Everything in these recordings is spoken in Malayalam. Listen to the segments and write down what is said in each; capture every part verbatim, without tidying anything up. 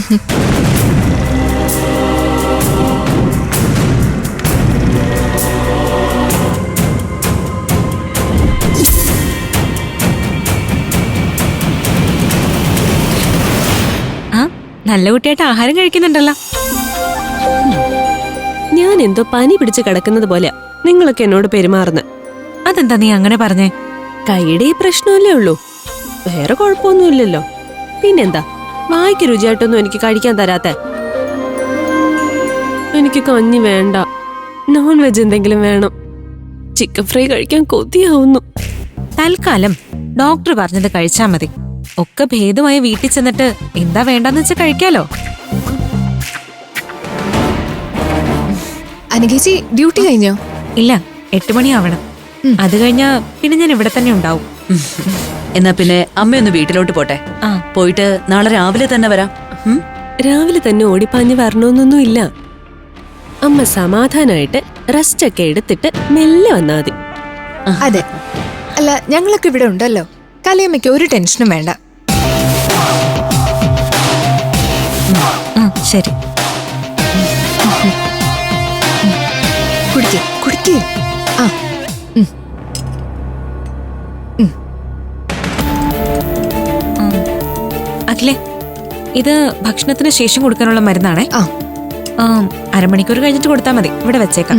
നല്ല കുട്ടിയായിട്ട് ആഹാരം കഴിക്കുന്നുണ്ടല്ലോ. ഞാൻ എന്തോ പനി പിടിച്ച് കിടക്കുന്നത് പോലെ നിങ്ങളൊക്കെ എന്നോട് പെരുമാറുന്നത്. അതെന്താ നീ അങ്ങനെ പറഞ്ഞേ? കൈയുടെ ഈ പ്രശ്നമല്ലേ ഉള്ളൂ, വേറെ കുഴപ്പമൊന്നുമില്ലല്ലോ. പിന്നെന്താ വായിക്ക് രുചിയായിട്ടൊന്നും എനിക്ക് കഴിക്കാൻ തരാത്ത? എനിക്ക് കഞ്ഞി വേണ്ട, നോൺ വെജ് എന്തെങ്കിലും വേണം. ചിക്കൻ ഫ്രൈ കഴിക്കാൻ കൊതിയാവുന്നു. തൽക്കാലം ഡോക്ടർ പറഞ്ഞത് കഴിച്ചാ മതി. ഒക്കെ ഭേദമായി വീട്ടിൽ ചെന്നിട്ട് എന്താ വേണ്ടെന്ന് വെച്ചാൽ കഴിക്കാലോ. അനഘേച്ചി ഡ്യൂട്ടി കഴിഞ്ഞോ? ഇല്ല, എട്ട് മണിയാവണം. അത് കഴിഞ്ഞാ പിന്നെ ഞാൻ ഇവിടെ തന്നെ ഉണ്ടാവും. എന്നാ പിന്നെ അമ്മയൊന്ന് വീട്ടിലോട്ട് പോട്ടെ. ആ പോയിട്ട് നാളെ രാവിലെ തന്നെ വരാം. രാവിലെ തന്നെ ഓടിപ്പാഞ്ഞ് വരണോന്നൊന്നും ഇല്ല. അമ്മ സമാധാനായിട്ട് റെസ്റ്റ് ഒക്കെ എടുത്തിട്ട് മെല്ലെ വന്നാ മതി. അതെ, അല്ല ഞങ്ങളൊക്കെ ഇവിടെ ഉണ്ടല്ലോ. കലയമ്മയ്ക്ക് ഒരു ടെൻഷനും വേണ്ട. ശരി, കുടിക്കേ കുടിക്കേ. ആ അഖിലേ, ഇത് ഭക്ഷണത്തിന് ശേഷം കൊടുക്കാനുള്ള മരുന്നാണേ. ആ അരമണിക്കൂർ കഴിഞ്ഞിട്ട് കൊടുത്താൽ മതി. ഇവിടെ വെച്ചേക്കാം.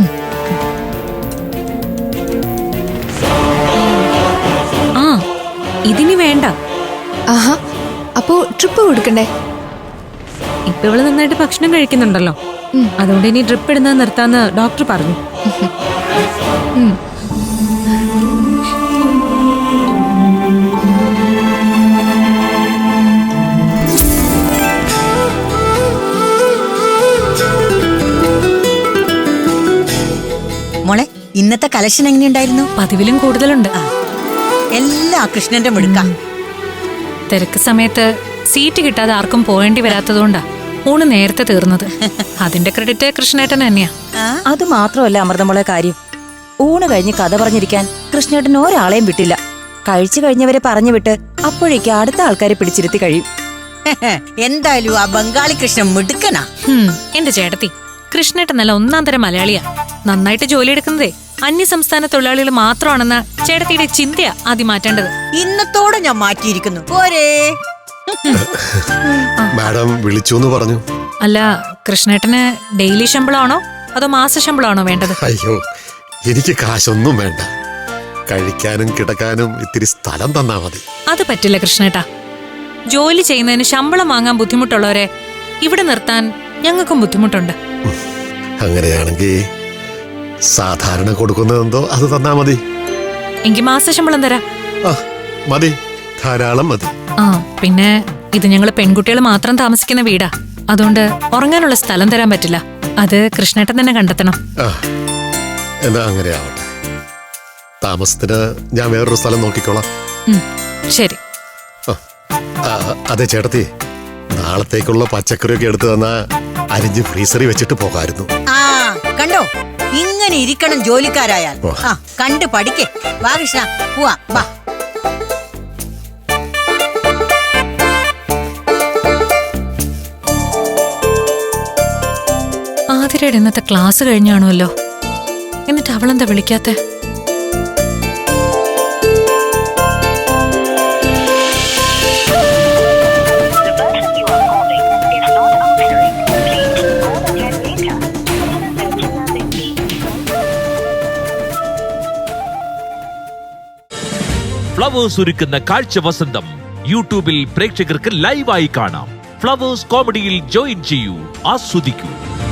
ആ ഇതിനി വേണ്ട. ആഹാ, അപ്പോ ട്രിപ്പ് കൊടുക്കണ്ടേ? ഇപ്പൊ ഇവള് നന്നായിട്ട് ഭക്ഷണം കഴിക്കുന്നുണ്ടല്ലോ, അതുകൊണ്ട് ഇനി ഡ്രിപ്പ് ഇടുന്നത് നിർത്താന്ന് ഡോക്ടർ പറഞ്ഞു. മോളെ, ഇന്നത്തെ കളക്ഷൻ എങ്ങനെയുണ്ടായിരുന്നു? പതിവിലും കൂടുതലുണ്ട്. എല്ലാ കൃഷ്ണന്റെ മിടുക്ക. തിരക്ക് സമയത്ത് സീറ്റ് കിട്ടാതെ ആർക്കും പോകേണ്ടി വരാത്തതുകൊണ്ടാ ഊണ് നേരത്തെ തീർന്നത്. അതിന്റെ ക്രെഡിറ്റ് കൃഷ്ണേട്ടൻ തന്നെയാ. അത് മാത്രമല്ല അമൃതമോളെ കാര്യം, ഊണ് കഴിഞ്ഞ് കഥ പറഞ്ഞിരിക്കാൻ കൃഷ്ണേട്ടൻ ഒരാളെയും വിട്ടില്ല. കഴിച്ചു കഴിഞ്ഞവരെ പറഞ്ഞു വിട്ട് അപ്പോഴേക്ക് അടുത്ത ആൾക്കാരെ പിടിച്ചിരുത്തി കഴിയും. എന്തായാലും ആ ബംഗാളി കൃഷ്ണൻ മിടുക്കനാ. എന്റെ ചേട്ടത്തി, കൃഷ്ണേട്ടൻ നല്ല ഒന്നാം തരം മലയാളിയാ. നന്നായിട്ട് ജോലി എടുക്കുന്നതേ അന്യ സംസ്ഥാന തൊഴിലാളികൾ മാത്രമാണെന്ന ചേട്ടത്തിയുടെ ചിന്തയാ ആദ്യം മാറ്റേണ്ടത്. ഇന്നത്തോടെ ഞാൻ മാറ്റിയിരിക്കുന്നു. പോരേ. മാഡം വിളിച്ചു പറഞ്ഞു. അല്ല, കൃഷ്ണേട്ടന് ഡെയിലി ശമ്പളമാണോ അതോ മാസ ശമ്പളമാണോ വേണ്ടത്? അയ്യോ, എനിക്ക് കാശൊന്നും വേണ്ട. കഴിക്കാനും കിടക്കാനും ഇത്തിരി സ്ഥലം തന്നാ മതി. അത് പറ്റില്ല കൃഷ്ണേട്ടാ. ജോലി ചെയ്യുന്നതിന് ശമ്പളം വാങ്ങാൻ ബുദ്ധിമുട്ടുള്ളവരെ ഇവിടെ നിർത്താൻ ഞങ്ങൾക്കും ബുദ്ധിമുട്ടുണ്ട്. അങ്ങനെയാണെങ്കിൽ സാധാരണ കൊടുക്കുന്നതെന്തോ അത് തന്നാ മതി. എങ്കിൽ മാസ ശമ്പളം തരാം. ആ മതി, ധാരാളം മതി. ആ പിന്നെ ഇത് ഞങ്ങള് പെൺകുട്ടികൾ മാത്രം താമസിക്കുന്ന വീടാ, അതുകൊണ്ട് ഉറങ്ങാനുള്ള സ്ഥലം തരാൻ പറ്റില്ല. അത് കൃഷ്ണേട്ടൻ തന്നെ കണ്ടെത്തണം. ആ എന്നാ അങ്ങനെ ആവട്ടെ. താമസത്തിന് ഞാൻ വേറൊരു സ്ഥലം നോക്കിക്കോളാം. ശരി. അതെ ചേട്ടത്തി, നാളത്തേക്കുള്ള പച്ചക്കറിയൊക്കെ എടുത്തു തന്നാ അരിഞ്ഞ് ഫ്രീസറിൽ വെച്ചിട്ട് പോകായിരുന്നു. ആ കണ്ടോ, ഇങ്ങനെ ഇരിക്കണം ജോലിക്കാരായാൽ. ആ കണ്ട് പഠിക്കേ. വാ കൃഷ്ണ, പോവാ വാ. ആതിരയുടെ ഇന്നത്തെ ക്ലാസ് കഴിഞ്ഞാണല്ലോ, എന്നിട്ട് അവളെന്താ വിളിക്കാത്തെ? ഫ്ലവേഴ്സ് ഒരുക്കുന്ന കാഴ്ച വസന്തം യൂട്യൂബിൽ പ്രേക്ഷകർക്ക് ലൈവായി കാണാം. ഫ്ലവേഴ്സ് കോമഡിയിൽ ജോയിൻ ചെയ്യൂ, ആസ്വദിക്കൂ.